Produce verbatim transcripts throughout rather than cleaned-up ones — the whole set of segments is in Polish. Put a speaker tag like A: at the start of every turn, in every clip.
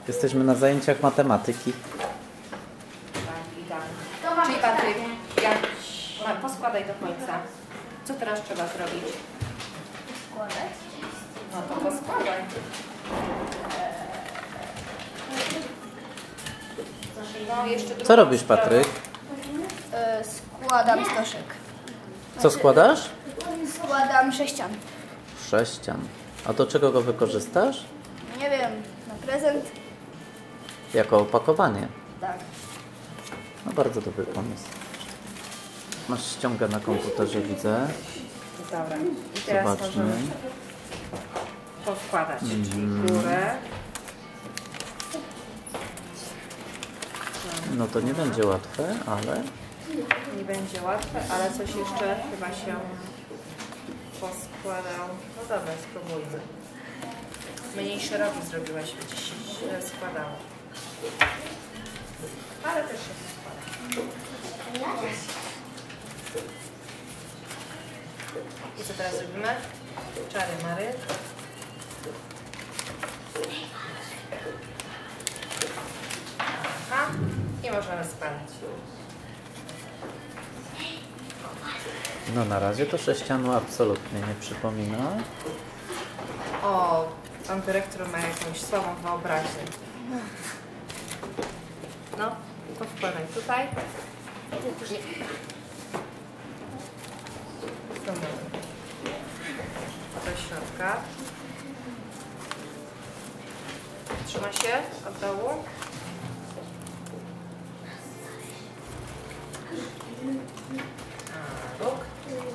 A: Jesteśmy na zajęciach matematyki.
B: Tak, idealnie. Czyli Patryk, jak... Ma, poskładaj do końca. Co teraz trzeba zrobić?
C: Składać?
B: No to poskładaj. No, jeszcze
A: Co robisz, Patryk?
C: E, składam stożek.
A: Co składasz?
C: Składam sześcian.
A: Sześcian. A do czego go wykorzystasz?
C: Nie wiem, na prezent?
A: Jako opakowanie.
C: Tak.
A: No bardzo dobry pomysł. Masz ściągę na komputerze, widzę.
B: Dobra. I teraz
A: Zobaczmy.
B: możemy poskładać. Czyli górę.
A: No to nie będzie łatwe, ale...
B: Nie będzie łatwe, ale coś jeszcze chyba się poskładał. No dobra, spróbujmy. Mniej szeroki zrobiłaś, gdzieś się źle składało. Ale też się składa. I co teraz robimy? Czary mary. Aha. I możemy składać.
A: No na razie to sześcianu absolutnie nie przypomina.
B: O, pan dyrektor ma jakąś słabą wyobraźnię. No, to wkładaj tutaj. Do środka. Trzyma się od dołu. A, róg.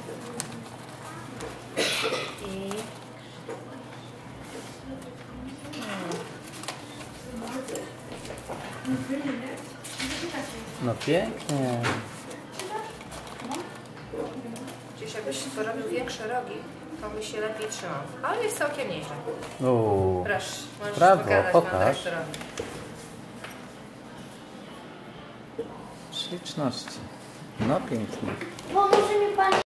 B: I...
A: No pięknie.
B: Gdzieś jakbyś porobił większe rogi, to by się lepiej trzymał. Ale jest całkiem nieźle.
A: Uuu.
B: Proszę, możesz
A: Brawo,
B: pokazać
A: pokaż.
B: panu dyrektorowi.
A: Śliczności. No pięknie.
C: Pomoże mi pan